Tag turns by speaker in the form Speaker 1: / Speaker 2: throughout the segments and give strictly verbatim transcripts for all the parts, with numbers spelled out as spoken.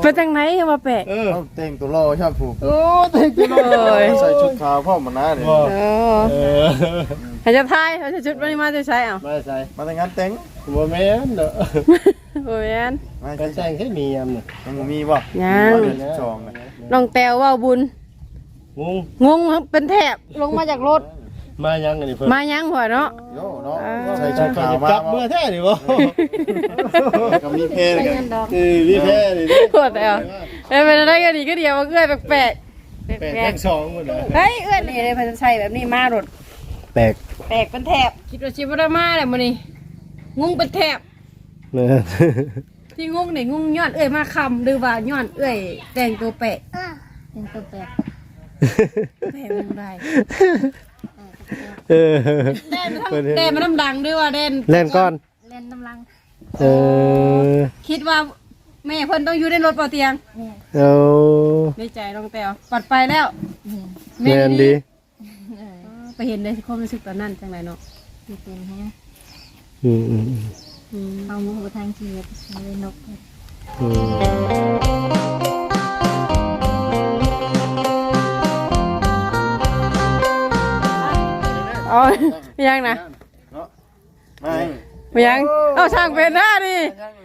Speaker 1: เป็นจังไหนมาแปะ
Speaker 2: เออเต่งตัวรอชอบผูก
Speaker 1: โอ้เต่งตัวเลย
Speaker 2: ใส่ชุดขาวพ่อมันนะเนี่ย
Speaker 1: เออเขาจะทายเขาจะชุดวันนี้มาจะใช้เอา
Speaker 2: มาใส่มาแต่งงานแต่ง
Speaker 3: บ่แม่นเด้อ
Speaker 1: โอ้ยน
Speaker 3: การแต่งให้มียามนี่
Speaker 2: มันมีบ่
Speaker 1: ยัง
Speaker 2: จอง
Speaker 1: น้องแต้วว่าบุญ
Speaker 3: งง
Speaker 1: งงเป็นแถบลงมาจากรถ
Speaker 3: มายังอันนี้เพิ่น
Speaker 1: มายังหัวเนาะ
Speaker 2: โย่เนาะใส่ชุดขาวมา
Speaker 3: จับเมื่อแท้นี่บ่
Speaker 2: กับมีเพลกัน
Speaker 3: เออมีแท้นี่
Speaker 1: หัวแต้วเอ้ยเป็นอะไรกันดีก็เดียวมาเอื้อยแปลกๆ
Speaker 3: แปลกทั้งสองหมดเลย
Speaker 1: เฮ้ยเอื้อยนี่เลยพันใช้แบบนี้มารถ
Speaker 3: แปลก
Speaker 1: แปลกเป็นแถบคิดว่าชิบะมาเลยมื้อนี้งงเป็นแถบ
Speaker 3: แม่
Speaker 1: ที่งงนี่งงย้อนเอื้อยมาคำหรือว่าย้อนเอื้อยแต่งตัวแปลก
Speaker 4: แต่งตัวแปลก
Speaker 1: แปลกมันได้
Speaker 3: เออ
Speaker 1: แดนมันน้ำดังด้วยว่าแดน
Speaker 3: เล่นก้อน
Speaker 4: เล่นน้ำลัง
Speaker 3: เออ
Speaker 1: คิดว่าแม่เพิ่นต้องอยู่ในรถเปล่าเตียง
Speaker 3: เอา
Speaker 1: ในใจน้องแต้วปัดไปแล้ว
Speaker 3: แม่นดี
Speaker 1: ไปเห็นในความรู้สึกตอนนั้นจังไรเนาะ
Speaker 4: มีเป็นแฮะ
Speaker 3: อืมอืม
Speaker 4: เอาหมูทางชีวิตเลยนก
Speaker 3: อืม
Speaker 1: อ๋อยังนะไม่ยังเอาช่างเป็นหน้าดิ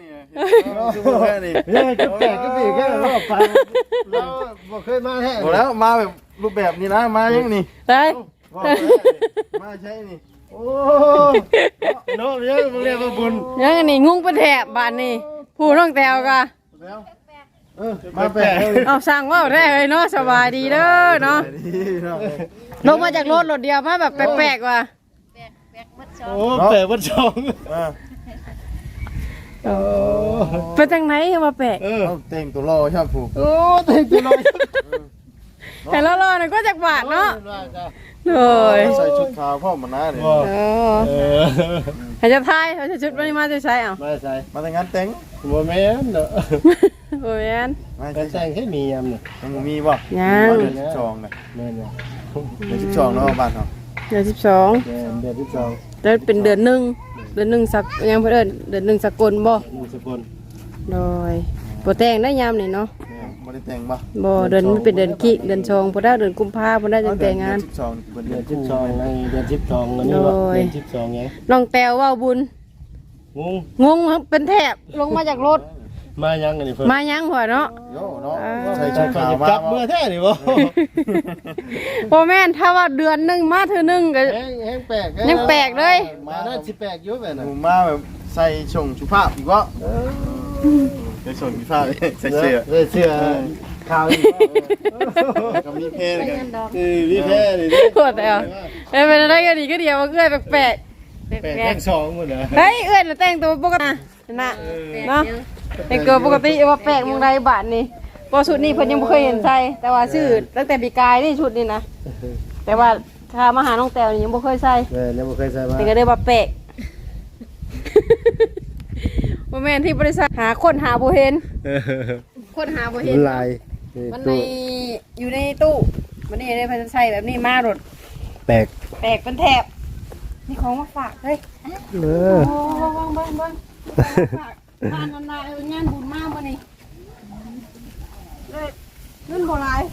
Speaker 3: ยังจะแปลกก็ปีแค่รอบฟังเราบอกเคยมาแท้
Speaker 2: แล้วมาแบบรูปแบบนี้นะมายังนี่
Speaker 1: ได้
Speaker 2: มาใช่นี่
Speaker 3: โอ้เนาะยังมึงเรียกว่าบุญ
Speaker 1: ยังนี่งุ้งเป็นแถบบานนี่ผู้น้องแต้วกะ
Speaker 2: มาแปลก
Speaker 1: เอาสั่งว่าได้เลยเนาะสบายดีเด้อเนาะลงมาจากรถรถเดียวมาแบบแปลกๆว่ะ
Speaker 3: โอ้แปลกวัดช่อง
Speaker 1: เป็นจังไหนมาแปลก
Speaker 2: เออเต่งตัวรอชอบผูก
Speaker 3: โอ้เต่งตัวรอ
Speaker 1: แต่ละรอเนี่ยก็จากบาทเนาะ
Speaker 2: เลยใส่ชุดขาวพ่อมันนะเนี่ย
Speaker 1: เออเขาจะทายเขาจะชุดวันนี้มาจะใช้เอา
Speaker 3: มาใส่
Speaker 2: มาแต่งงานแต่ง
Speaker 3: บ่แม่นเด้อ
Speaker 1: โอ้ยน
Speaker 3: การแต่งให้มียามนี่
Speaker 2: มันมีบ่
Speaker 1: ยัง
Speaker 2: เดือนสิบสองเลย
Speaker 3: แม่นเ
Speaker 2: ดือนสิบสองเนาะบ้านเรา
Speaker 1: เดือนสิบสอง
Speaker 3: เดือนสิบสอง
Speaker 1: เดือนเป็นเดือนหนึ่งเดือนหนึ่งสักยังเพื่อนเดือนหนึ่งสกลบ่
Speaker 3: สกล
Speaker 1: โดยโปรแต่งได้ยามนี่เนาะ
Speaker 2: บ่ได้แต่งบ่
Speaker 1: บ่เดือนมันเป็นเดือนขี้เดือนชงพอได้เดือนกุมภาพันธ์ได้จังแต่งงาน
Speaker 2: สิบสอง
Speaker 3: เดือนสิบสองในเดือนสิบสองแล้วนี่บ่เดือนสิบสองไง
Speaker 1: น้องแต้วว่าบุญ
Speaker 3: งง
Speaker 1: งงเป็นแถบลงมาจากรถ
Speaker 3: มายังอันนี้เพิ่น
Speaker 1: มายังหัวเนาะ
Speaker 2: โย่เนาะใส่ชุดขาวมา
Speaker 3: จับเมื่อแท้นี่บ่
Speaker 1: บ่แม่นถ้าว่าเดือนนึงมาเทื่อนึงก็
Speaker 3: แฮงแปลก
Speaker 1: ยังแปลกเลย
Speaker 3: มาได้สิแปลกอยู่แบบนั้น
Speaker 2: มาแบบใส่ชงสุภาพอีกว่าใส่ชงสุภาพใส่เสื้อ
Speaker 3: ใส่เสื้อขาวอีก
Speaker 2: กับมีเพลกัน
Speaker 3: คือมีแพ้นี่
Speaker 1: ปวดแล้วเอ้ยเป็นอะไรกันดีก็เดียวมาเอื้อยแปลกๆ
Speaker 3: แปลกทั้งสองหมดเหรอ
Speaker 1: เฮ้ยเอื้อยน่ะแต่งตัวปกตินะเนาะแต่งตัวปกติว่าแปลกมึงใดบาทนี่พอชุดนี้เพิ่นยังบ่เคยเห็นใส่แต่ว่าชื่อตั้งแต่ปีกายนี่ชุดนี้นะแต่ว่าถ้ามาหาน้องแต้วนี่ยังบ่เคยใส่
Speaker 3: เออยังบ่เคยใส่มา
Speaker 1: แต่ก็ได้ว่าแปลกบ่แม่นที่บริษัทหาคนหาบ่เห็นคนหาบ่เห็น
Speaker 3: ลาย
Speaker 1: มันในอยู่ในตู้มันนี่ได้เพิ่นใส่แบบนี้มารถ
Speaker 3: แปลก
Speaker 1: แปลกเป็นแถบนี่ของมาฝากเฮ้ย
Speaker 3: เออ
Speaker 1: โอ้เบิ่งๆผ่านนานๆงานบุญมากบ่นี่เงินบ่หลาย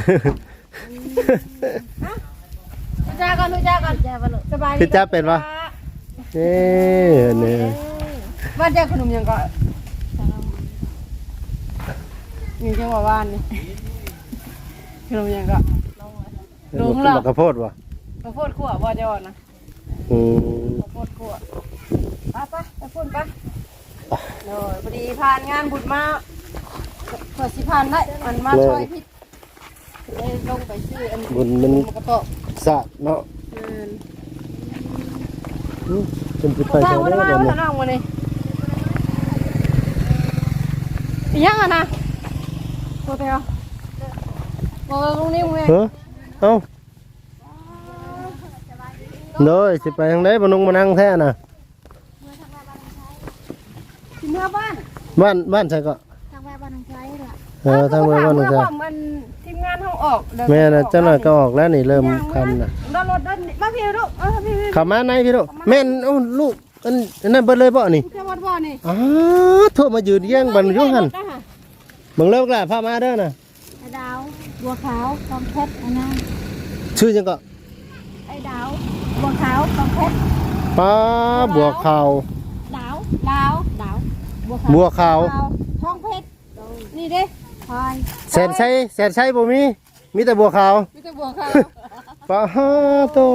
Speaker 1: ฮะจ้าก่อนจ้าก่อนจ้าบ่ลูกสบายดี
Speaker 3: พี่จ้าเป็นบ่เอ้นี่
Speaker 1: บ้านจ้าขนมยังก็มีจังหวะบ้านนี่ขนมยังก็ลงแล้ว
Speaker 3: กระโพดบ่
Speaker 1: กระโพดขั่วบ่จะอ่อนนะ
Speaker 3: อืม
Speaker 1: กระโพดขั่วไปไปไปพุ่นไปโอ้ยพอดีผ่านงานบุญมาเปิดสิผ่านได้มันมาช่วยพี่เลยลงไปซื้ออัน
Speaker 3: บุญมัน
Speaker 1: กระโตก
Speaker 3: สะเนาะอืมจนไปไป
Speaker 1: ได้บ่ได้บ่ได้นั่งบ่นี่ยังอ่ะนะโตเตียวบ่ตรงนี้มึง
Speaker 3: เออเอ้าโดยสิไปทางไหนบ่นุ่งมานั่งแท้น่ะ
Speaker 1: สิเมื่อบ้าน
Speaker 3: บ้านบ้านใช่ก็
Speaker 4: ทางบ้านน้องชายล่ะ
Speaker 3: เออทางบ้านน้องชาย
Speaker 1: มันทีมงานเฮาออก
Speaker 3: แม่น่ะเจ้าหน่อยก็ออกแล้วนี่เริ่มค่ำน่ะ
Speaker 1: รถรถมาพี่ลูกเออพี่
Speaker 3: เข้ามาในพี่ลูกแม่นโอ้ลูกอันนั้นเบิดเลยบ่นี่
Speaker 1: แค่วัดบ่นี่
Speaker 3: อ๋อโทรมายืนแย่งบันอยู่หั่นบิ่งเลิกแล้วพามาเด้อน่ะ
Speaker 4: ไอ้ดาวบัวขาวกองเพชรอันนั้น
Speaker 3: ชื่อจังก็
Speaker 4: ไอ้ดาวบัวขาวกองเพชร
Speaker 3: ป้าบัวขาว
Speaker 4: ดาวดาวดาว
Speaker 3: บัวขาว
Speaker 1: ทองเพชรนี่เด้
Speaker 4: พลอย
Speaker 3: แสนชัยแสนชัยบ่มีมีแต่บัวขาว
Speaker 1: มีแต่บัวขาว
Speaker 3: ป้าโต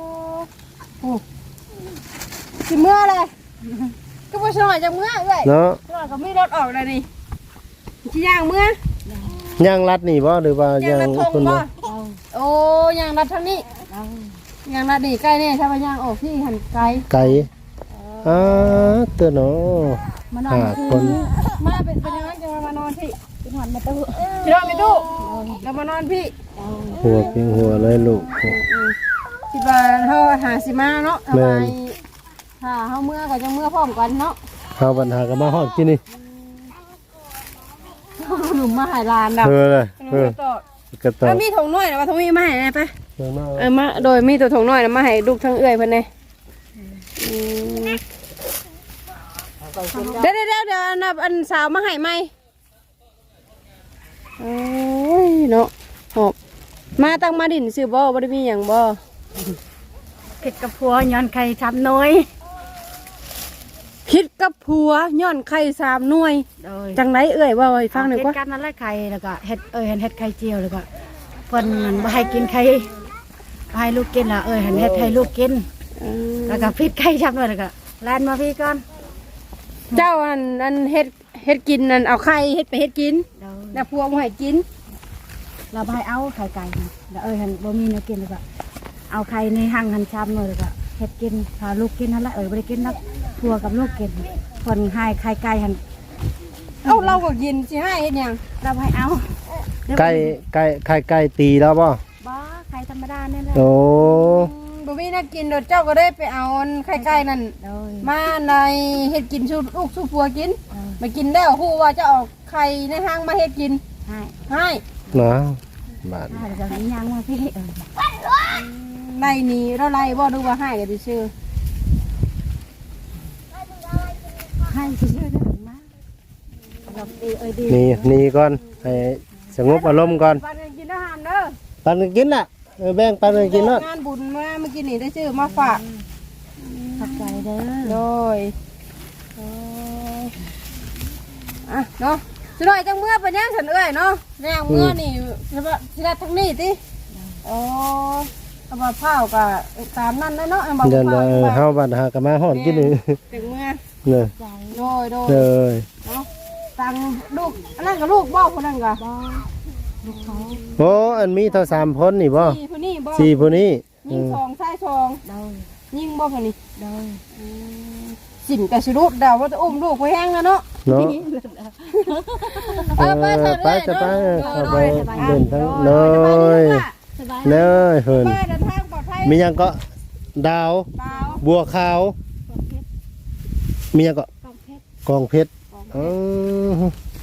Speaker 1: สิเมื่อเลยก็บ่ชอยจังเมื่อเอ้ย
Speaker 3: เนาะ
Speaker 1: ชอยก็มีรถออกแล้วนี่สิย่างเมื่อ
Speaker 3: ย่างรัดนี่บ่หรือว่า
Speaker 1: ย่าง
Speaker 3: ย่าง
Speaker 1: รัดทง
Speaker 3: คน
Speaker 1: บ่
Speaker 3: บ่
Speaker 1: โอ้ย่างรัดทางนี้ย่างรัดนี่ใกล้แน่ถ้าว่าย่างออกที่หันไกล
Speaker 3: ไก่อ่าเตัวเนาะ
Speaker 4: มานอน
Speaker 3: ห้าคน
Speaker 1: มาเป็นเป็นยังไงจะมามานอนที่
Speaker 4: เป็นหวันมาตู้
Speaker 1: ที่นอนไม่ตู้แล้วมานอนพี่
Speaker 3: หัวเพียงหัวเลยลูก
Speaker 1: คิดว่าเฮาหาสิมาเนาะทำ
Speaker 3: แม่
Speaker 1: ไม
Speaker 3: น
Speaker 1: ถ้าเฮาเมื่อก็จะเมื่อพร้อมกันเนาะ
Speaker 3: เฮาปัญหาก็มาฮอดกินนี่
Speaker 1: หนุ่มมาหายลานดอก
Speaker 3: เออเลย
Speaker 1: ห
Speaker 3: เอ
Speaker 1: นุ่
Speaker 3: อ
Speaker 1: มต่อก
Speaker 3: ระต่อ
Speaker 1: แล้วมีถุงน้อยนะว่าถุงมีมาให้นะไป
Speaker 3: เบิ่งมา
Speaker 1: เออมาโดยมีตัวถุงน้อยนะมาให้ลูกทั้งเอื้อยเพิ่นเลยอืมเดี๋ยวเดี๋ยวเดี๋ยวเดี๋ยวอันน่ะอันสาวมาให้ไหมโอ้ยเนาะหอบมาตั้งมาดินซื้อบ่บ่ได้มีหยังบ่
Speaker 4: เผ็ดกับพัวย้อนไข่ทำน้อย
Speaker 1: คิดกับผัวย้อนไข่สามหน่วย
Speaker 4: โดย
Speaker 1: จังไรเอ่ยว่าให้ฟังหน่อย
Speaker 4: เฮ็
Speaker 1: กว่า
Speaker 4: ดกันนั่นแหละไข่แล้วก็เฮ็ดเอ้ยเฮ็ดไข่เจียวแล้วก็เพิ่นบ่ให้กินไข่บ่ให้ลูกกินล่ะเอ้ยเฮ็ดให้ลูกกิน
Speaker 1: อืม
Speaker 4: แล้วก็พริกไข่ชับด้วยแล้วก็แล่นมาพี่ก่อน
Speaker 1: เจ้าอันอันเฮ็ดเฮ็ดกินนั่นเอาไข่เฮ็ดไปเฮ็ดกิน
Speaker 4: โดย
Speaker 1: แล้วผัวบ่ให้กิน
Speaker 4: เราบ่ให้เอาไข่ไก่นี่แล้วเอ้ยหันบ่มีเนื้อกินแล้วก็เอาไข่ในหั่งหั่นชับด้วยแล้วก็เฮ็ดกินพาลูกกินนั่นแหละเอ้ยบ่ได้กินนักพัวกับลูกกินเพิ่นให้ไข่ไก่หัน
Speaker 1: เอ้าเราก็กินสิให้เฮ็ดหยัง
Speaker 4: เราบ่ให้เอา
Speaker 3: ไก่ไก่ไข่ไก่ตีแล้วบ่
Speaker 4: บ่ไข่ธรรมดานี่แหละ
Speaker 3: โอ้
Speaker 1: บ่มีน่ากินเดี๋ยวเจ้าก็ได้ไปเอาอันไข่ไก่นั่น
Speaker 4: โดย
Speaker 1: มาในเฮ็ดกินสู่ลูกสู่ผัวกิน
Speaker 4: เออ
Speaker 1: มากินแล้วฮู้ว่าจะเอาไข่ในห้างมาเฮ็ดกิน
Speaker 4: ให้
Speaker 1: ให้
Speaker 3: นะบาด
Speaker 4: ให้แล้วก็ให้ย่างมาพี่เออ
Speaker 1: ไล่หนีเราไล่บ่ดูว่าให้ก็สิชื่อ
Speaker 4: ให้ซื่อๆได้มาเราดีเอ้ยดี
Speaker 3: นี่นี่ก่อนให้สงบอารมณ์ก่อน
Speaker 1: ปันกันกินอาหารเด้อ
Speaker 3: ปันกันกินน่ะเออแบ่งปันกันกินเนาะ
Speaker 1: งานบุญมาเมื่อกี้นี่ได้ชื่อมาฝาก
Speaker 4: ขอบใจเด้อ
Speaker 1: โดยโอ้ยอ่ะเนาะสิหน่อยจังเมื่อไปย่างฉันเอ้ยเนาะย่างเมื่อนี่สิว่าสิได้ทั้งนี้ติโอ้กระบะเผาก็ตามนั่นเลยเนาะเอาบ่
Speaker 3: เดิน
Speaker 1: เผา
Speaker 3: เออเฮาบัดหาก็มาฮอดกินนี่
Speaker 1: ถึงเมื่อ
Speaker 3: เนาะ
Speaker 4: ใจ
Speaker 1: โดยโดย
Speaker 3: เลย
Speaker 1: เนาะตังลูกอันนั้นก็ลูกบ่คนนั้นก็
Speaker 4: บ่ลูกเขา
Speaker 3: โอ้อันมีเท่าสามคนนี่บ่
Speaker 1: สี่ผู้นี้บ่
Speaker 3: สี่ผู้นี้
Speaker 1: ยิงทองใส่ทอง
Speaker 4: เดา
Speaker 1: ยิงบ่คนนี้
Speaker 4: เดา
Speaker 1: สินกับสิรูดเดาว่าจะอุ้มลูกไปแห้งแล้วเนาะ
Speaker 3: เนาะ
Speaker 1: เออไปเถอะ
Speaker 3: ไปจะไป
Speaker 1: เด้อ
Speaker 3: เอาไป
Speaker 1: เด้อ
Speaker 3: เดินทั้ง
Speaker 1: เด้อ
Speaker 3: เลย
Speaker 4: สบาย
Speaker 3: เลยเพิ่น
Speaker 1: ไปเดินทางปลอดภัย
Speaker 3: มีหยังก็ดาว
Speaker 1: เปล่า
Speaker 3: บัวขาว มีหยังก็
Speaker 4: กองเพชร
Speaker 3: กองเพชรอ๋อ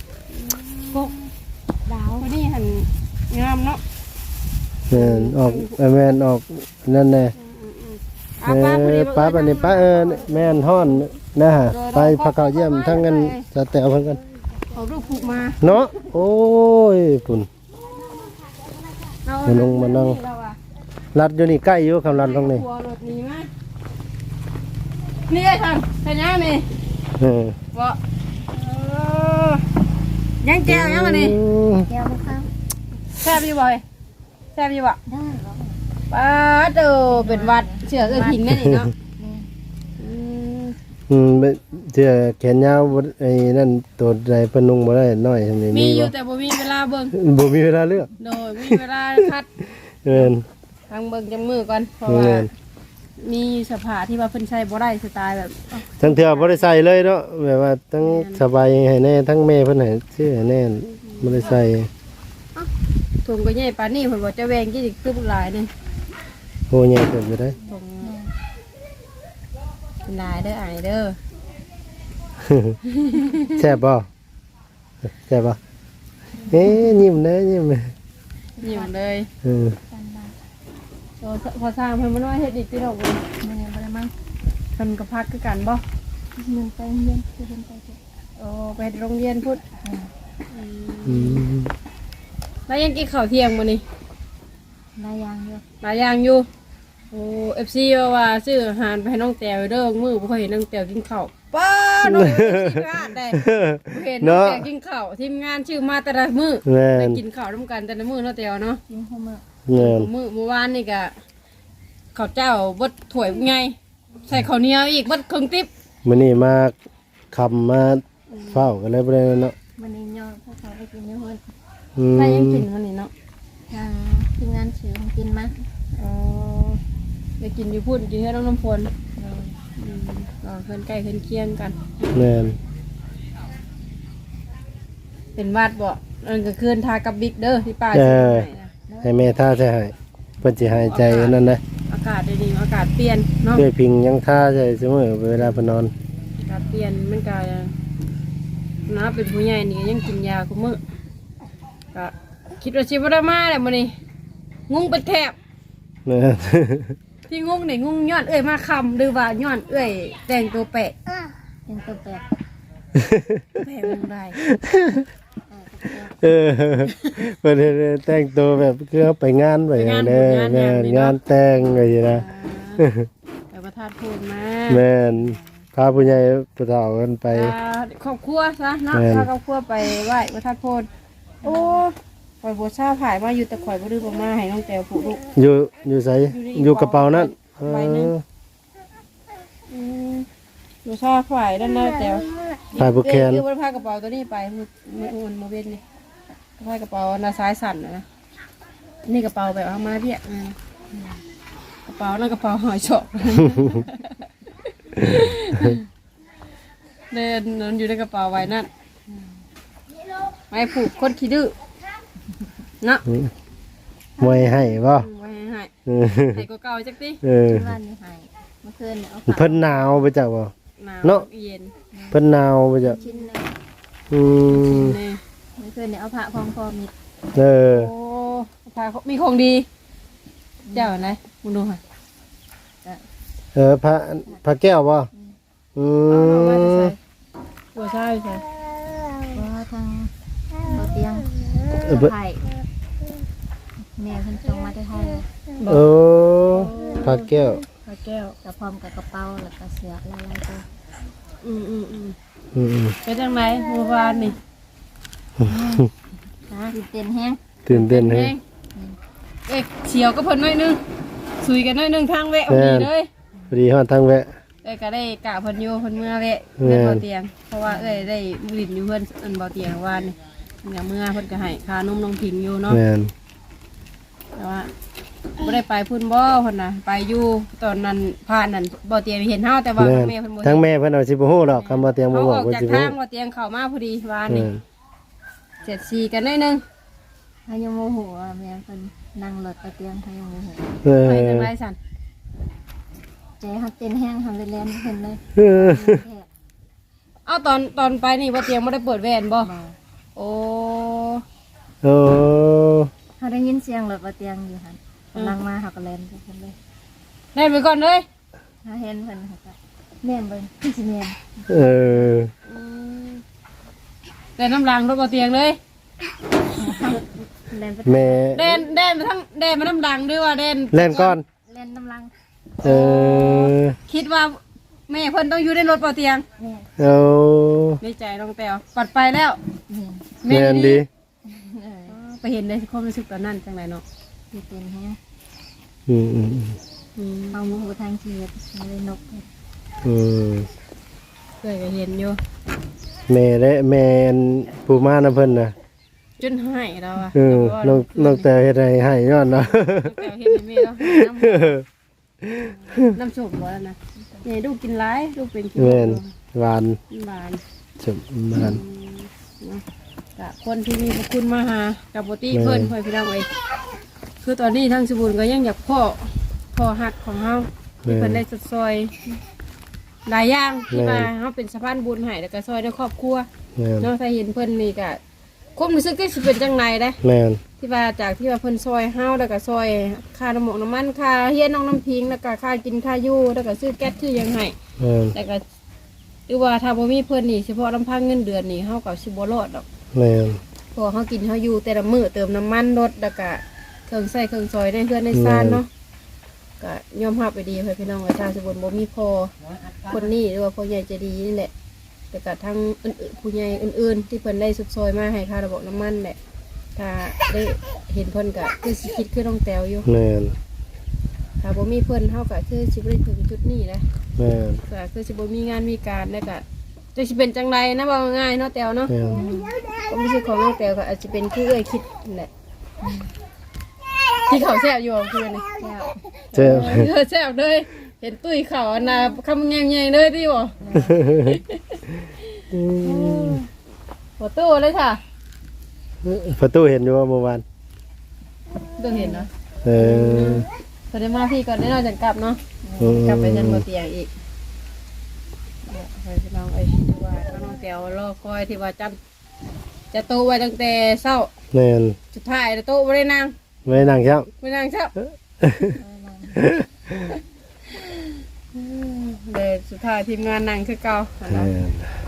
Speaker 4: ดาว
Speaker 1: คนนี้หันงามเนาะ
Speaker 3: แม่นออกเอ้ยแม่นออกนั่นแน่
Speaker 1: อ่ะ
Speaker 3: เอ
Speaker 1: ป้าพอดี
Speaker 3: อป้าบัดนี้ป้าเออแม่นฮ้อนนะฮะไปพักเขาเยี่ยมทั้งนั้นจะแตวเพิ่นกัน
Speaker 1: เอาลูกผูกมา
Speaker 3: เนาะโอ้ยปุ่น
Speaker 1: เอา
Speaker 3: มาลงมานั่ง
Speaker 1: เราอะ
Speaker 3: รัดอยู่นี่ใกล้อยู่คำรัดตรงนี้
Speaker 1: กลัวรถหนี้มานี่ไอ้ทำเป็นยังนี่
Speaker 3: เออ
Speaker 1: บ่เออยังแจ้วยังอันนี้
Speaker 4: แก้วลูกเขา
Speaker 1: แซ่บอยู่บ่อยแซ่บอยู่บ่
Speaker 4: ได้เหรอ
Speaker 1: ป้าเด้อเป็นหวัดเสือเอ้ยพิงแม่นี่เนาะอืม
Speaker 3: อืมไปเสื้อแขนยาวบ่ไอ้นั่นตัวใดเพิ่นนุ่งบ่ได้น้อยทำนี่
Speaker 1: มี
Speaker 3: มี
Speaker 1: อยู่
Speaker 3: บ่
Speaker 1: แต่บ่มีเวลาเบิ่ง
Speaker 3: บ่มีเวลาเลือก
Speaker 1: โดยมีเวลาคัด
Speaker 3: เอิ้น
Speaker 1: ทางเบิ่งจังมือก่อนเพราะว่า
Speaker 3: เอิ้น
Speaker 1: มีสภาที่ว่าเพิ่นใช้บ่ได้สไตล์แบบ
Speaker 3: ทั้งเทื่อบ่ได้ใส่เลยเนาะแบบว่าทั้งสบายให้แน่ทั้งแม่เพิ่นให้ซื้อให้แน่บ่ได้ใส่
Speaker 1: ถุงก็ใหญ่ปานนี้เพิ่นบ่จะแวงกี่คือบ่หลายนี่
Speaker 3: โหใหญ่เกินไปได้
Speaker 1: ถุงเป็นหลายเด้ออ้ายเด้อ
Speaker 3: แซ่บบ่แซ่บบ่เอ๊ะยิ้มเด้อยิ้ม
Speaker 1: ยิ้มเลย
Speaker 3: เออ
Speaker 1: โอ้พอสร้างเพิ่นบ่น้อยเฮ็ดอีกติดอกบ่
Speaker 4: มันยังบ่ได้มั้ง
Speaker 1: เพิ่นก็พักคือกันบ่
Speaker 4: ยังไปเรียนคือเรียนไปเถอะ
Speaker 1: โอ้ไปโรงเรียนพุทธ
Speaker 3: อืม
Speaker 1: แล้วยังกินข้าวเที่ยงมื้อนี้
Speaker 4: นายางอยู่
Speaker 1: หลายอย่างอยู่โอ้ เอฟ ซี ว่าว่าซื้ออาหารไปให้น้องแต้วเด้อมื้อบ่เคยเห็นน้องแต้วกินข้าวป้าน้อง เอฟ ซี งานได้บ่เห็นน้องแต้วกินข้าวทีมงานชื่อมาแต่ละมื้อ
Speaker 3: แม่
Speaker 1: ได้
Speaker 3: น
Speaker 1: กินข้าวร่วมกันแต่ละมื้อเนาะแต้วเนาะ
Speaker 4: กินหัวมื้อ
Speaker 3: แม่น
Speaker 1: มื้อเมื่อวานนี่ก็ข้าวเจ้าบดถ้วยใหญ่ใส่ข้าวเหนียวอีกบดครึ่งติ๊บ
Speaker 3: มื้อนี้มาคำมาเฝ้ากันเลยบ่ได้เนาะ
Speaker 4: มันนี่ย่อพวกเขาไปกินอยู่เพิ่น
Speaker 3: อืม
Speaker 1: ใครยังกินมื้อนี้เนาะ
Speaker 4: ทางทีมงานซื้อของกินมา
Speaker 1: อ๋อได้กินอยู่พุ่นกินให้น้องน้ำฝนอืมก็เพิ่นใกล้เพิ่นเคียงกัน
Speaker 3: แม่น
Speaker 1: เป็นวาดบ่นั่นก็คืนทากับบิ๊กเด้อที่ป้า
Speaker 3: เอ
Speaker 1: ซื้อ
Speaker 3: อ
Speaker 1: ให้นะ
Speaker 3: ให้แม่ท่าใช่ให้เพิ่นสิหายใจอันนั้นนะ
Speaker 1: อากาศดีๆอากาศเปลี่ยนเนาะ
Speaker 3: ด้วยพิงยังท่าใช่เสมอเวลาเพิ่นนอน
Speaker 1: อากาศเปลี่ยนมันก็นะเป็นผู้ใหญ่นี่ก็ยังกินยาคุมื้อก็คิดว่าสิบ่ได้มาแหละมื้อนี้งุ้งเป็นแถบ
Speaker 3: แม่น
Speaker 1: ที่งุ้งนี่งุ้งย้อนเอ้ยมาคำหรือว่าย้อนเอ้ยแต่งตัวแปะ
Speaker 4: เป็นตัวแปลก
Speaker 1: แปะมึงได้
Speaker 3: เออเพิ่นเฮ็ดแต่งตัวแบบคือเอาไปงานไปอย่างเด้อแม่นงานแต่งไงนะ
Speaker 1: แต่ประทานพูดมา
Speaker 3: แม่นพาผู้ใหญ่ผู้เฒ่ากันไป
Speaker 1: อ่าครอบครัวซะเนาะ
Speaker 3: แม่น
Speaker 1: พาครอบครัวไปไหว้ประทานโพดโอ้ข่อยบัวชาผายมาอยู่แต่ข่อยบ่ดื้อบ่มาให้น้องแต้วผูกลูก
Speaker 3: อยู่อยู่ไส
Speaker 1: อยู่ใน
Speaker 3: อยู่กระเป๋านั้น
Speaker 1: ใบหนึ่ง อืมบัวชาผายด้านหน้าแต้ว
Speaker 3: ฝ่ายบุกแคน
Speaker 1: เดี๋ยวบ่ได้พากระเป๋าตัวนี้ไปมือมืออุ่นมือเว้นนี่พากระเป๋าหน้าซ้ายสั่นน่ะนะนี่กระเป๋าแบบเอามาเรียกอ่ากระเป๋านั่นกระเป๋าหอยเฉาะ เดินนอนอยู่ในกระเป๋าไว้นั่นไว้ผูกคนขี้ดื้อเนาะ
Speaker 3: มวยให้บ่
Speaker 1: ไว้ให้
Speaker 3: เออ
Speaker 1: ให้ก็เก่าจักติ
Speaker 3: เออ
Speaker 4: บ้านนี่ให้เมื่อคืนเนี่ยเอา
Speaker 3: เพิ่นหนาวไปจักบ่
Speaker 1: หนาว
Speaker 3: เนาะ
Speaker 1: เย็น
Speaker 3: เพิ่นหนาวไปจัก
Speaker 4: ชิ้นหนึง
Speaker 3: อืม
Speaker 1: นี่
Speaker 4: เมื่อคืนเนี่ยเอาผ้าพองคอมิด
Speaker 3: เออ
Speaker 1: โอ้พาเขามีของดี เจ้าไหนมึงดูค่ะ
Speaker 3: เออพระพระแก้วบ่อื
Speaker 1: เอาเอาไว้จะ
Speaker 3: ม
Speaker 1: ใส่บัวใช่ใช่
Speaker 4: เพราะว่าทางเราเตียง
Speaker 3: เออเบิ่
Speaker 4: ไผ่แม่เพิ่นจงมาได้ให้
Speaker 3: โอ้พระแก้ว
Speaker 1: พระแก้ว
Speaker 4: กับพร้อมกับกระเป๋าแล้วก็เสื้อลายๆตัว
Speaker 1: อืมอืมอืม
Speaker 3: อืม
Speaker 1: ไปจังไหนเมื่อวานนี่
Speaker 4: ฮะเต้นแห้ง
Speaker 3: ๆตื่นเต้นให้
Speaker 1: เองเอ๊ะเฉียวก็เพิ่นหน่อยนึงสุยกันหน่อยนึงทางแวะพอดีเลย
Speaker 3: พอดีฮอดทางแวะ
Speaker 1: เอ้ยก็ได้กะเพิ่นอยู่เพิ่นเมื่อแวะ
Speaker 3: แม่
Speaker 1: เพิ่นเบาเตียง เพราะว่าเอ้ยได้บุรินอยู่เพิ่นเอิ้นเบาเตียงวานนี่อย่างเมื่อเพิ่นก็ให้ค่านมน้องพิงอยู่เนาะ
Speaker 3: แม่น
Speaker 1: แต่ว่าบ่ได้ไปพุ่นบ่เพิ่นน่ะไปอยู่ตอนนั้นผ่านนั่นเบาเตียงเห็นเฮาแต่ว่า
Speaker 3: แม่น
Speaker 1: แม่เพิ่นบ่
Speaker 3: ทั้ง
Speaker 1: เห็น
Speaker 3: แม่เพิ่นเอาสิบ่ฮู้ดอกคำว่าเตียงบ่
Speaker 1: เขา
Speaker 3: บ
Speaker 1: อ
Speaker 3: อก
Speaker 1: อก
Speaker 3: ว่า
Speaker 1: จาก
Speaker 3: สิบ่
Speaker 1: ทา
Speaker 3: ฮู้
Speaker 1: งเบาเตียงเข้ามาพอดีวาน
Speaker 3: แม่
Speaker 1: นี่
Speaker 3: น
Speaker 1: เจ็ดสี่กันหน่อยนึง
Speaker 4: ถ้ายังโมโหอ่ะแม่เพิ่นนั่งรถกระเตียงถ้ายังโมโห
Speaker 3: เออ
Speaker 1: ไปจังไรสั่น
Speaker 4: ใจเขาเต้นแห้งทำเล่นๆเพิ่นเลย
Speaker 3: เออ
Speaker 4: แค่
Speaker 1: เอาตอนตอนไปนี่เบาเตียงบ่ได้เปิดแว่นบ่
Speaker 4: บ่
Speaker 1: โอ้
Speaker 3: โอ้
Speaker 4: เขาได้ยินเสียงรถกระเตียงอยู่หั่นกำลังมาเขาก็เล่นไปเพิ่นเลย
Speaker 1: เล่นไปก่อนเลย
Speaker 4: ถ้าเห็นเพิ่นเขาก็แม่นเบิ่งพี่สิแม่น
Speaker 3: เออ
Speaker 1: เล่นน้ำรางรถเบาเตียงเลย
Speaker 4: เล่นไป
Speaker 3: แม่
Speaker 1: เด่นเด่นมาทั้งเด่นมาน้ำดังด้วยว่าเด่น
Speaker 3: เล่นก่อน
Speaker 4: เล่นน้ำลัง
Speaker 3: เออ
Speaker 1: คิดว่าแม่เพิ่นต้องอยู่ในรถเบาเตียง
Speaker 4: แม่น
Speaker 3: เอา
Speaker 1: ในใจน้องแต้วปัดไปแล้ว
Speaker 4: แม่น
Speaker 3: แม่นดี
Speaker 4: เออ
Speaker 1: ไปเห็นในความรู้สึกตอนนั้นจังไรเนาะ
Speaker 4: พี่เต้นแห้ง
Speaker 3: อืมอืม
Speaker 1: อืม
Speaker 4: เอาโมโหทางชีวิตเลยนกเพิ่น
Speaker 3: อืม
Speaker 1: เคยก็เห็นอยู่
Speaker 3: แม่และแม่นผู้มานํเพิ่นน่ะ
Speaker 1: จนให้เราอะ
Speaker 3: เออน้องน้องแต่เฮ็ดให้ให้ย้อนเนาะ
Speaker 1: น้องแต้วเห็นให้แม่เราน้ำน้ำส้มบ่แล้วนะเนี่ยลูกกินร้ายลูกเป็นกิน
Speaker 3: แม่นหวาน
Speaker 1: หวาน
Speaker 3: สมหวาน
Speaker 1: เนาะกะคนที่มีพระคุณมาหากับปกติเพิ่นเพิ่นพี่น้องเอ้ยคือตอนนี้ทั้งสบุญก็ยังอยากพ่อพ่อหักของเฮาที่เพิ่นได้สดซอยหลายอย่างที่มาเฮาเป็นสะพานบุญให้แล้วก็ซอยในครอบครัว
Speaker 3: แม่น
Speaker 1: เนาะถ้าเห็นเพิ่นนี่ก็ความรู้สึกที่สิเป็นจังไดเด้
Speaker 3: แม่น
Speaker 1: ที่ว่าจากที่ว่าเพิ่นซอยเฮาแล้วก็ซอยค่าน้ำหมกน้ำมันค่าเฮียนน้องน้ำพิงแล้วก็ค่ากินค่าอยู่แล้วก็ซื้อแก๊สซื้อหยังให้
Speaker 3: แม่น
Speaker 1: แล้วก็หรือว่าถ้าบ่มีเพิ่นนี่เฉพาะลำพังเงินเดือนนี่เฮาก็สิบ่รอดดอก
Speaker 3: แแม่น
Speaker 1: พอเขากินเขาอยู่แต่ละมื้อเติมน้ำมันรถแล้วก็เครื่องใส่เครื่องซอยในเพื่อนในซ่านเนาะก็ยอมรับไปดีเพื่อนพี่น้องอาชาสมบูรณ์บ่มีพอคนนี้หรือว่าพ่อใหญ่ใจะดีนี่แหละแต่ก็ทั้งอื่นๆผู้ใหญ่อื่นๆที่เพิ่นได้สุดซอยมาให้ค่าระบบน้ำมันแหละถ้าได้เห็นเพิ่นก็คือสิคิดคือน้องแตวอยู่
Speaker 3: แม่น
Speaker 1: ถ้าบ่มีเพิ่นเฮาก็คือสิบ่ได้ถึงจุดนี้นะ
Speaker 3: แม่น
Speaker 1: ก็คือสิบ่มีงานมีการแล้วก็จะสิเป็นจังไดนะว่าง่ายเนาะแตวเนาะ
Speaker 3: แม่น
Speaker 1: ก็ไม่ใช่ของน้องแตวก็อาจจะเป็นคือเอ้ยคิดนั่นแหละที่เขาแซ่บอยู่คือนี่
Speaker 3: เจ้า
Speaker 1: เออแซ่บเลยเห็นตุ้ยเขาอันน่ะคำแง่ๆเลยที่บ่หัวตู้เลยค่ะ
Speaker 3: ประตูเห็นอยู่ว่าเมื่อวาน
Speaker 1: ตู้เห็นเนาะ
Speaker 3: เออ
Speaker 1: พอได้มาพี่ก่อนได้นอนจังกลับเนาะ
Speaker 3: อืม
Speaker 1: กลับไปยันบ่เตียงอีกเนี่ยไปพี่น้องเอ้ยที่ว่าน้องแตวรอคอยที่ว่าจำจะโตไว้ตั้งแต่เช้า
Speaker 3: แม่น
Speaker 1: สุดท้ายโตบ่ได้นั่ง
Speaker 3: ไม่นั่งครับ
Speaker 1: ไม่นั่งเช้าเลยสุดท้ายทีมงานนั่งคือเก่าอะ
Speaker 3: แม่
Speaker 1: เนาะ
Speaker 3: น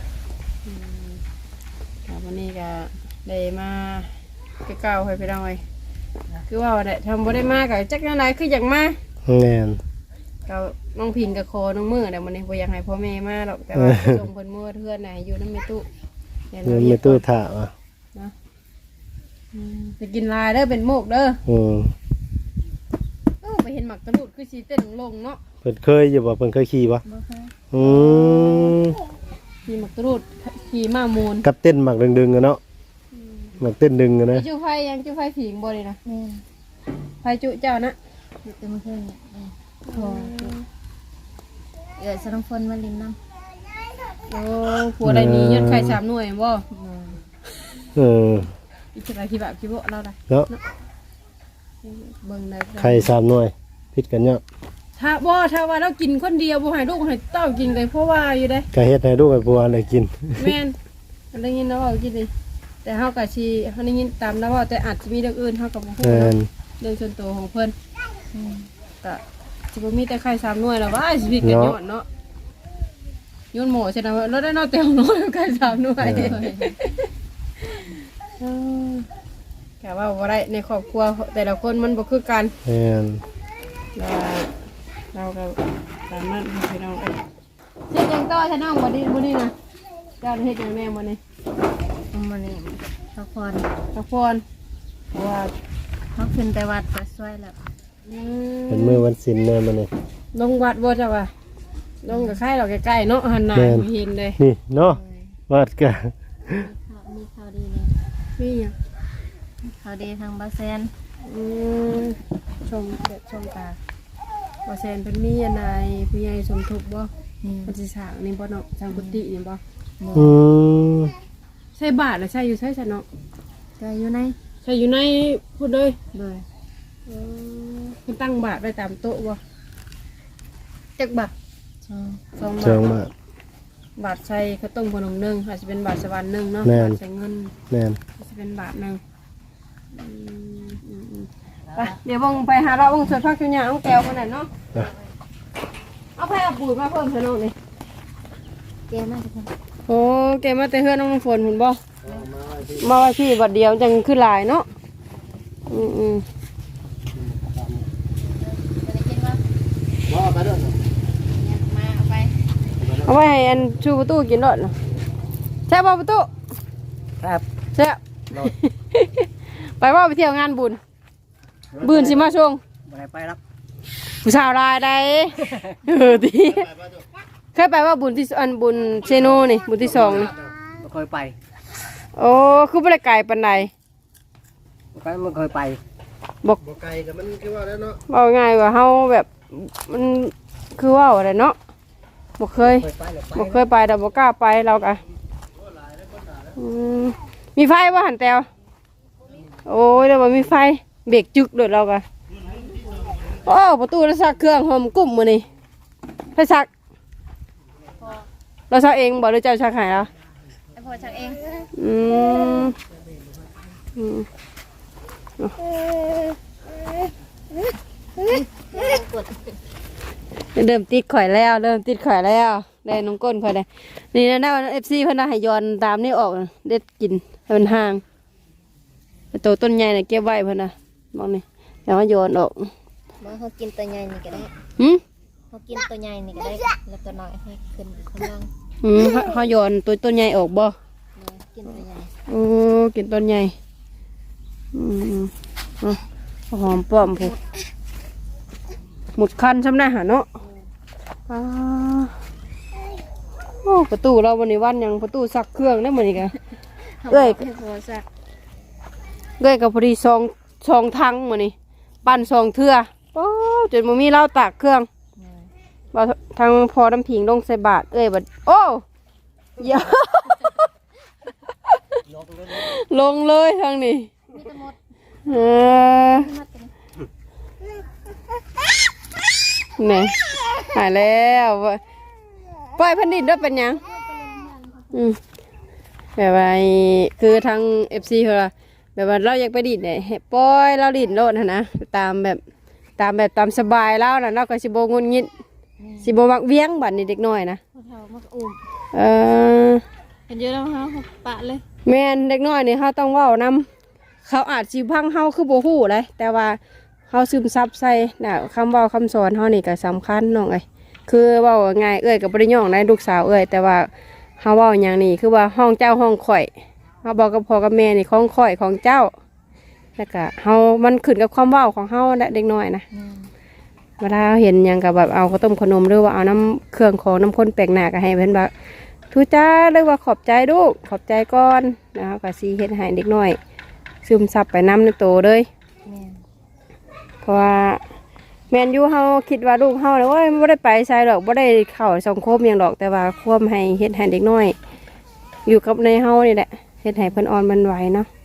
Speaker 1: ครับวันนี้ก็ได้มาคือเก่าให้พี่น้องเอ้ยคือว่าได้ทำบ่ได้มาก็จักจังไดคืออยากมา
Speaker 3: แม่น
Speaker 1: ก็น้องพินกับคอน้องมือแต่วันนี้บ่อยากให้พ่อแม่มาหรอกแต่ว่าส่งเพิ่นมือเพื่อนน่ะให้อยู่นำแม่ตู้เดี๋ยว
Speaker 3: เงิ
Speaker 1: เรา
Speaker 3: น
Speaker 1: เรี
Speaker 3: ไม่
Speaker 1: ยก
Speaker 3: ตู้
Speaker 1: ก่อน
Speaker 3: ถ่าว่ะ
Speaker 1: อืมไปกินลายเด้อเป็นโมกเด้อ
Speaker 3: อืม
Speaker 1: เอ้าไปเห็นหมักตะลุดคือสิเต้นลงเนาะ
Speaker 3: เพิ่นเคยอยู่บ่เพิ่นเคยขี่บ่
Speaker 4: บ่เคย
Speaker 3: อืม
Speaker 1: ขี่หมักตะลุดขี่ม้ามูล
Speaker 3: กับเต้นหมักดึงๆกันเนาะหมักเต้นดึงกันนะ
Speaker 1: จุไฟยังจุไฟผิงบ่เลยนะ
Speaker 4: แม่น
Speaker 1: ไฟจุเจ้านะ
Speaker 4: อยู่แต่เมื่อคืนเนี่ยแม่นพอเอื้อสนองฝนมาลินน้ำ
Speaker 1: โอ้ผัวใดนี้ยอดไข่สามหน่วยบ่
Speaker 3: เออ
Speaker 1: อีกอะไรคิดแบบคิดว่าเราได้
Speaker 3: เนาะ
Speaker 1: เบิ่งได้
Speaker 3: ไข่สามหน่วยพิดกันเนาะ
Speaker 1: ถ้าบ่ถ้าว่าเรากินคนเดียวบ่ให้ลูกให้เต้ากินเลยเพราะว่าอยู่ได้
Speaker 3: ก็เฮ็ดให้ลูกให้ผัวได้กิน
Speaker 1: แม่นอันได้ยินแล้วว่ากินดิแต่เฮาก็สิเฮาได้ยินตามแล้วว่าแต่อาจจะมีเรื่องอื่นเฮาก็บ่ฮู้
Speaker 3: แม่น
Speaker 1: เนาะเรื่องส่วนตัวของเพิ่นก็สิบ่มีแต่ไข่สามหน่วยแล้วว่าชีวิตกันย้อนเนาะย้อนหมอใช่นะเราได้เนาะแต่ของน้อยไข่สามหน่วยเออก็ว่าบ่ได้ในครอบครัวแต่ละคนมันบ่คือกัน
Speaker 3: แม่น
Speaker 1: เราเราก็ตามนั้นพี่น้องเอ้ยเฮ็ดหยังต่อฉันน้องบ่ดีบ่ดีนะเจ้าเฮ็ดหยังแม่มื้อนี้
Speaker 4: มื้อนี้พักผ่อน
Speaker 1: พักผ่อนเพราะว่า
Speaker 4: เฮาขึ้นแต่วัดก็สวยแล้ว
Speaker 1: อืม
Speaker 3: เป็นมื้อวันศีลเด้อมื้อนี้
Speaker 1: ลงวัดบ่จ้ะว่าลงกับใครเราใกล้ๆเนาะหันหน้า
Speaker 3: แม่น
Speaker 1: เห็นเลย
Speaker 3: นี่เนาะวัดก็
Speaker 4: มีข่าวดีเลย
Speaker 1: มีหยัง
Speaker 4: ข่าวดีทางบาเซน
Speaker 1: อืมชมเด็ดชมตาบ่แซนเพิ่นมีอันใดผู้ใหญ่สมทบบ่
Speaker 4: นี่
Speaker 1: มันสิสร้างนี่บ่เนาะสร้างกุฏินี่บ่
Speaker 3: อืม
Speaker 1: ใช่บาทหรือใช่อยู่ใช่ซะเนาะ
Speaker 4: ก็อยู่ใน
Speaker 1: ใช่อยู่ในพูดเลย
Speaker 4: เลย
Speaker 1: เออมันตั้งบาทไว้ตามโต๊ะบ่จักบาท
Speaker 4: ช่อง
Speaker 1: สอง
Speaker 3: เชิง
Speaker 1: บาท
Speaker 3: มาก
Speaker 1: บาทใส่ข้าวต้มขนมหนึ่งอาจจะเป็นบาทสวรรค์หนึ่งเนาะ
Speaker 3: แม่น
Speaker 1: บาทใส่เงิน
Speaker 3: แม่น
Speaker 1: อาจจะเป็นบาทหนึ่งอืมอืมอืมไปเดี๋ยววงไปหาเราวงสดพักจุญญาเอาแก้วมาหน่อยเนาะเอาไปเอาปุ๋ยมาเพิ่มเถอะน้องนี่
Speaker 4: เกมน่าจะเป็น
Speaker 1: โอ้แกมาแต่เฮือนน้องน้ำฝนหุ่นบ่มาไว้พี่บัดเดียวจังคือหลายเนาะอืมอืม
Speaker 2: ว่าไปเด้อ
Speaker 4: มาเอาไป
Speaker 1: เอาไว้ให้อันชูประตูกินรถเนาะใช่ป่ะประตู
Speaker 3: ครับ
Speaker 1: ใช่ ไปว่าไปเที่ยวงานบุญบุญสิมาช่วง
Speaker 3: บ่ได้ไปรับ
Speaker 1: ผู้สาวรายใดเออดีเคยไปว่าบุญที่อันบุญเชโนนี่บุญที่สองนี่
Speaker 5: ไม่เคยไป
Speaker 1: โอ้คือบ่ได้ไกลปานใด
Speaker 5: ไปไม่เคยไป
Speaker 3: บ่ไกลก็มันคือว่าแล้วเนาะ
Speaker 1: เอาง่ายว่าเฮาแบบมันคือว่าอะไรเนาะบ่เคย
Speaker 5: เคยไปหรือไป
Speaker 1: บ่เคยไปแต่บ่กล้าไปเราก็อืมมีไฟบ่หันแตวโอ้ยแล้วบ่มีไฟเบรกจึกโดดเราก็โอ้ประตูเราซักเครื่องหอมกุ้มมื้อนี้ไปซักเราซักเองบ่หรือเจ้าซักให้เรา
Speaker 4: ไอ้พ่อชักเอง
Speaker 1: อืมอืมเริ่มติดข่อยแล้ว เริ่มติดข่อยแล้วได้น้องก้นค่อยได้นี่นะนะ เอฟ ซี เพิ่นน่ะให้ย้อนตามนี่ออกเด็ดกินให้มันห่างตัวต้นใหญ่น่ะเก็บไว้เพิ่นน่ะมองนี่แล้วมาย้อนออก
Speaker 6: มาเขากินตัวใหญ่นี่ก็ได้
Speaker 1: หึ
Speaker 6: เขากินตัวใหญ่นี่ก็ได้แล้วตัวน้อยให้ขึ้นข้างล่าง
Speaker 1: อืมเฮาเฮาย้อนตัวต้นใหญ่ออกบ่
Speaker 6: เลยกินตัวใหญ่
Speaker 1: โอ้กินต้นใหญ่อืมอ่ะหอมป้อมพูหมดคันซ้ำหน้าหาเนาะอ่าโอ้ประตูเราวันนี้วันหยังประตูซักเครื่องได้เหมือนกันเอ้ย
Speaker 6: ให้พอสัก
Speaker 1: เอ้ยกับพอดีซองซองทังเหมือนนี่ปั้นซองเทื่อโอ้จนมันมีเหล้าตากเครื่องว่าทางพอน้ำผิงลงใส่บาทเอ้ยบัดโอ้เยอะ ลงเลยทางนี้
Speaker 6: มีแต่หมด
Speaker 1: เออนี่หายแล้วปล่อยพันดินด้วยเป็นยังอืมแบบว่าคือทางเอฟซีเขาแบบว่าเราอยากไปดินเนี่ยให้ปล่อยเราดินโลดนะนะตามแบบตามแบบตามสบายแล้วนะเราก็สิโบงุนงิดสิโบมักเวียงบัดนี่เด็กน้อยนะ
Speaker 6: พอเท่ามาอุ้ม
Speaker 1: เออ
Speaker 6: เห็นเยอะแล้วฮะปะเลย
Speaker 1: แม่นเด็กน้อยนี่เขาต้องเว้านำเขาอาจสิพังเฮาคือบ่ฮู้เลยแต่ว่าเฮาซึมซับใส่น่ะคำเว้าคำสอนเฮานี่ก็สำคัญน้องเอ้ยคือเว้าง่ายเอ้ยก็บ่ได้ย่องในลูกสาวเอ้ยแต่ว่าเฮาเว้าหยังนี่คือว่าห้องเจ้าห้องข่อยเฮาบอกกับพ่อกับแม่นี่ของข่อยของเจ้าแล้วก็เฮามันขึ้นกับความเว้าของเฮาและเด็กน้อยนะเวลาเห็นหยังก็แบบเอาข้าวต้มขนมหรือว่าเอาน้ำเครื่องของน้ำข้นแปลกหน้าก็ให้เพิ่นว่าทุจ้าเรียกว่าขอบใจลูกขอบใจก่อนนะครับก็สีเฮ็ดให้เด็กน้อยซึมซับไปน้ำในโตเลยเพราะว่าแมนยูเฮาคิดว่าลูกเฮาเลยว่าไม่ได้ไปใส่หรอกไม่ได้เข้าสังคมอย่างหรอกแต่ว่าควบให้เฮ็ดให้เด็กน้อย อยู่กับในเฮานี่แหละเฮ็ดให้เพิ่นอ่อนมันไหวเนาะ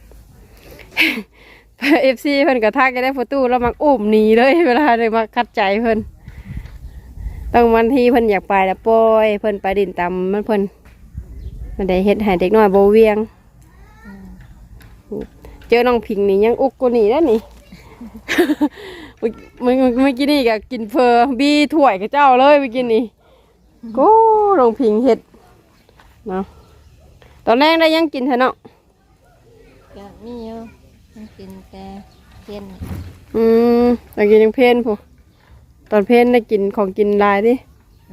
Speaker 1: เอฟซีเพิ่นกระทักจะได้ประตูแล้วมักอุ้มหนีเลยเวลาเลยมาคัดใจเพิ่นต้องวันที่เพิ่นอยากไปแล้วปล่อยเพิ่นไปดินตามมันเพิ่นมันได้เฮ็ดให้เด็กน้อยโบเวียงเจอน้องพิงนี่ยังอุกกูนี่แล้วนี่ เมื่อเมื่อกี้นี่ก็กินเพอบีถ้วยกับเจ้าเลยเมื่อกี้นี่ก็น้องพิงเฮ็ดเนาะตอนแรกได้ยังกินเถอะเนาะ
Speaker 6: ก็มีเยอะมันกินแต่เทียน
Speaker 1: อืมตอนกินยังเพลนผู้ตอนเพลนได้กินของกินลายดิ
Speaker 6: อะไร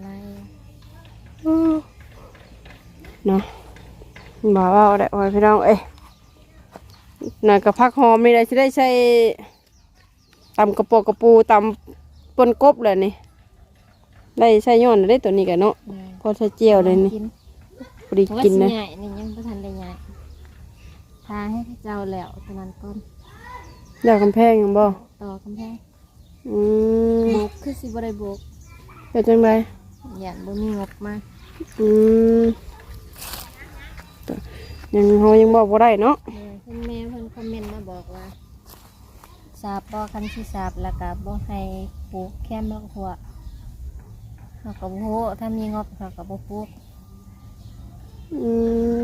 Speaker 1: เนาะบ่าวเอาได้ไว้พี่น้องเอ้ยน่ะกับผักหอมนี่ได้สิได้ใช้ตำกระโปกกระปูตำปนกบเลยนี่ได้ใช้ย้อนได้ตัวนี้กันเนาะพอใช้เจียวเลยนี่พอดี
Speaker 6: ว่า
Speaker 1: กิน
Speaker 6: สิ
Speaker 1: นะ
Speaker 6: ใหญ่นี่ยังบ่ทันได้ใหญ่ทาให้เจ้าแล้วตอนนั้นก่อน
Speaker 1: อยากกำแพงยังบ่
Speaker 6: ต่อกำแพง
Speaker 1: อืม
Speaker 6: โบกคือสิบ่ได้โบก
Speaker 1: เป็นจังได
Speaker 6: อย่างบ่มีงบมา
Speaker 1: อืมยังเฮายังบอกบ่ได้เนาะ
Speaker 6: เออเพิ่นแม่เพิ่นคอมเมนต์มาบอกว่าสาบบ่คันสิสาบแล้วก็บ่ให้ปลูกแค่มะหัวเขาก็บ่ฮู้ถ้ามีงบเขาก็บ่ปลูก
Speaker 1: อืม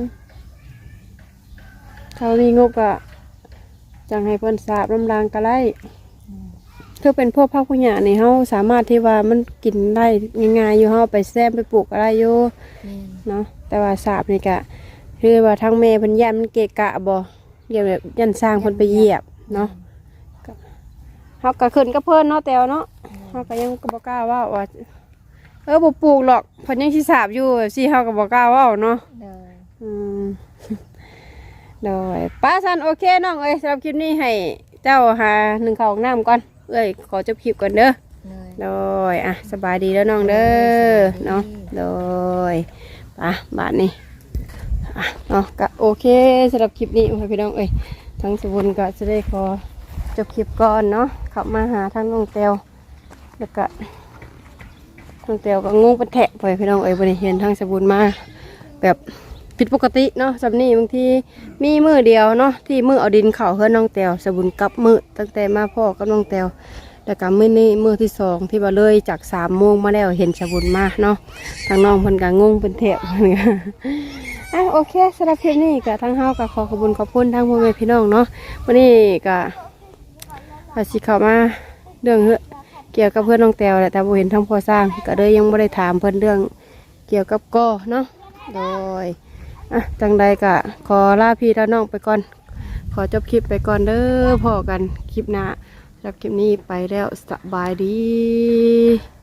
Speaker 1: เขามีงบอะจังให้เพิ่นสาบลำรางกะไลถ้าเป็นพวกภาคพุญญานี่เฮาสามารถที่ว่ามันกินได้ง่ายๆอยู่เฮาไปแซมไปปลูกอะไรอยู่
Speaker 6: แม่น
Speaker 1: เนาะแต่ว่าสาบนี่กะคือว่าทางแม่เพิ่นย่านมันเกะกะบ่เดี๋ยวแบบยันสร้างเพิ่นไปเหยียบเนาะก็เฮาก็ขึ้นกับเพิ่นเนาะแต้วเนาะเฮาก็ยังบ่กล้าเว้าว่าเออบ่ปลูกหรอกเพิ่นยังสิสาบอยู่สิเฮาก็บ่กล้าเว้าเนาะ
Speaker 6: เด้อ
Speaker 1: อืม โดยป้าสันโอเคน้องเอ้ยสำหรับคลิปนี้ให้เจ้าหาหนึ่งข้าวของน้ำก่อนเอ้ยขอจบคลิปก่อนเด้อ
Speaker 6: เลย
Speaker 1: โดยอ่ะสบายดีแล้วน้องเด้อเนาะโดยป่ะบาทนี้อ่ะเนาะก็โอเคสำหรับคลิปนี้พี่น้องเอ้ยทั้งสบุญก็จะได้ขอจบคลิปก่อนเนาะขับมาหาทั้งน้องเตียวแล้วก็น้องเตียวก็งงเป็นแทะไปพี่น้องเอ้ยบริเห็นทั้งสบุญมาแบบผิดปกติเนาะสำนี่บางทีมีมือเดียวเนาะที่มือเอาดินเข่าเฮือน้องเตียวสบุญกับมือตั้งแต่มาพ่อกับน้องเตียวแล้วก็มื้อนี้มื้อที่สองที่ว่าเลยจากสามโมงมาแล้วเห็นสบุญมาเนาะทางน้องเพิ่นก็งงเป็นแถบ อ่ะโอเคสำหรับคลิปนี้ก็ทั้งเฮาก็ขอขอบคุณขอบคุณทั้งพ่อแม่พี่น้องเนาะวันนี้ก็อาสิเข้ามาเรื่องเกี่ยวกับเพื่อนน้องแตวแหละแต่บ่เห็นทั้งพ่อสร้างก็เลยยังบ่ได้ถามเพิ่นเรื่องเกี่ยวกับกอเนาะโดยอ่ะจังใดกะขอลาพี่ลาน้องไปก่อนขอจบคลิปไปก่อนเด้อพอกันคลิปหน้าสำหรับคลิปนี้ไปแล้วสบายดี